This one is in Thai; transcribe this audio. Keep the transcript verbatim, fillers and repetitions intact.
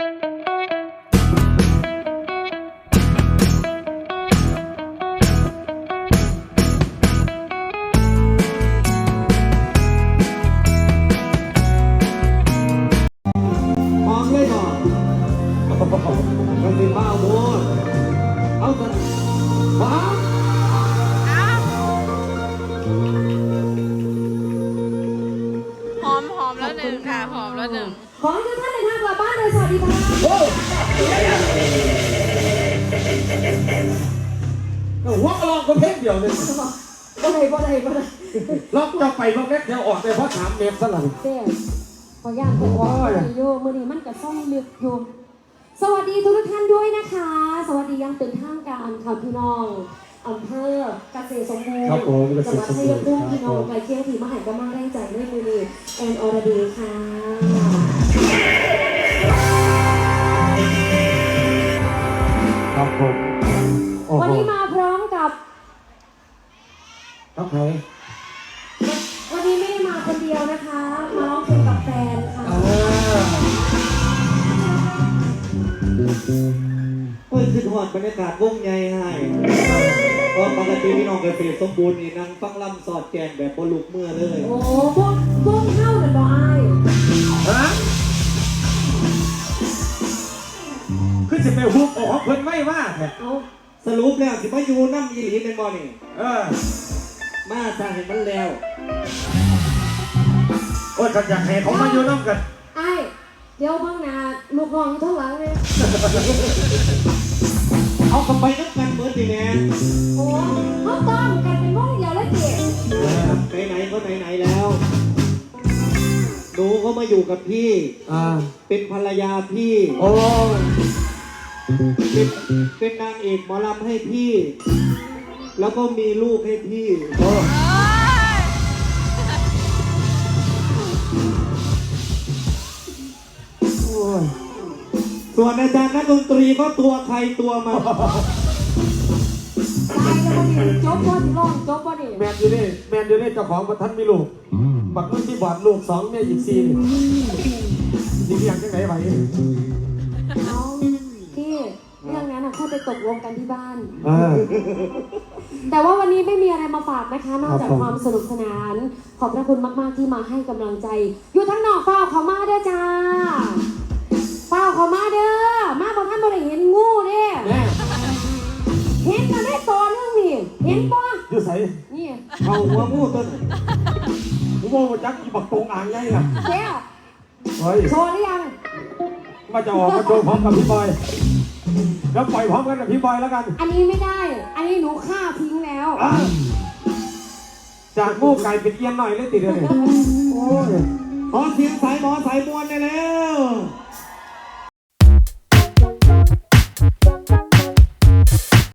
มันเป็นบ้าโมดเอาสันบ้าหอมหอมแล้วหนึ่งค่ะหอมแล้วหนึ่งขอให้ทุกท่านเดินทางกลับบ้านโดยสวัสดิภาพโอ้หัวกระลอกก็เพ่งเดียวเลยบ่ได้บ่ได้บ่ได้ล็อกจะไปล็อกเล็กเดียวออกแต่เพราะถามเมฟซะหลังเด้ขอย่านตัวว่าอยู่มื้อนี้มันก็ซ่องลึกอยู่สวัสดีทุกท่านด้วยนะคะสวัสดียังเป็นทางการค่ะพี่น้องอำเภอเกษตรสมบูรณ์จังหวัดชัยภูมิพี่น้องไกลเคียงที่มาให้กำลังแรงใจด้วยมือนี้แอนอรดีค่ะครับผมวันนี้มาพร้อมกับครับใครวันนี้ไม่ได้มาคนเดียวนะคะมาร้องเพลงกับแฟนค่ะเฮ้ยขึ้นหอดบรรยากาศวงใหญ่ให้เพราะปกติพี่น้องเกษตรสมบูรณ์นี่นั่งฟังลำสอดแกนแบบบลุกเมื่อเลยโอ้พวกพวกเข้าหรือเปล่าไอ้ฮะคือจะไปฮุบออกเพิ่นไม่ว่าแท้สรุปแล้วสิมาอยู่น้ำอีหลีเป็นบ่นี่เออมาสร้างเห็นมันแล้วโอ้ยกันอยากให้เขามาอยู่น้ำกันไอ้เดี๋ยวบ้างนะลูกน้องอยู่ทั้งหลังเลยเอากลับไปนับกันเหมือนดีแม่โอ้เขาต้อมกันเป็นวงเดียวแล้วเด็กไหนๆก็ไหนๆแล้วหนูก็มาอยู่กับพี่อ่าเป็นภรรยาพี่โอ้เป็นเป็นนางเอกหมอลำให้พี่แล้วก็มีลูกให้พี่โอ้ส่วนอาจารย์นักดนตรีก็ตัวใครตัวมันตายแล้วพอดีจบพอดีร้องจบพอดีแมนอยู่นี่แมนอยู่นี่เจ้าของประทันมีลูกบักมือที่บอดลูกสองเนี่ยอีกสี่นี่นี่ยังจังไหนไหวเอาพี่เรื่องนั้นค่อยไปตกลงกันที่บ้านแต่ว่าวันนี้ไม่มีอะไรมาฝากนะคะนอกจากความสนุกสนานขอบพระคุณมากๆที่มาให้กำลังใจอยู่ทั้งนอกเฝ้าเขามาเด้อจ้าเฝ้าเขามาเด้อมาบอกท่านบริเห็นงูเด้เห็นมาได้ตัวนึงนี่เห็นปะอยู่ใส่นี่เอาหัวงูต้นผมโมจักกี่บักตรงอ่างไงล่ะเจ้าโชว์หรือยังมาจะออกมาโชว์พร้อมกับพี่บอยแล้วปล่อยพร้อมกันกับพี่บอยแล้วกันอันนี้ไม่ได้อันนี้หนูฆ่าทิ้งแล้วจากงูไก่เป็นเอี้ยนหน่อยเลยติดเลยโอ้ยหมอเสียงสายหมอสายมวลได้แล้ว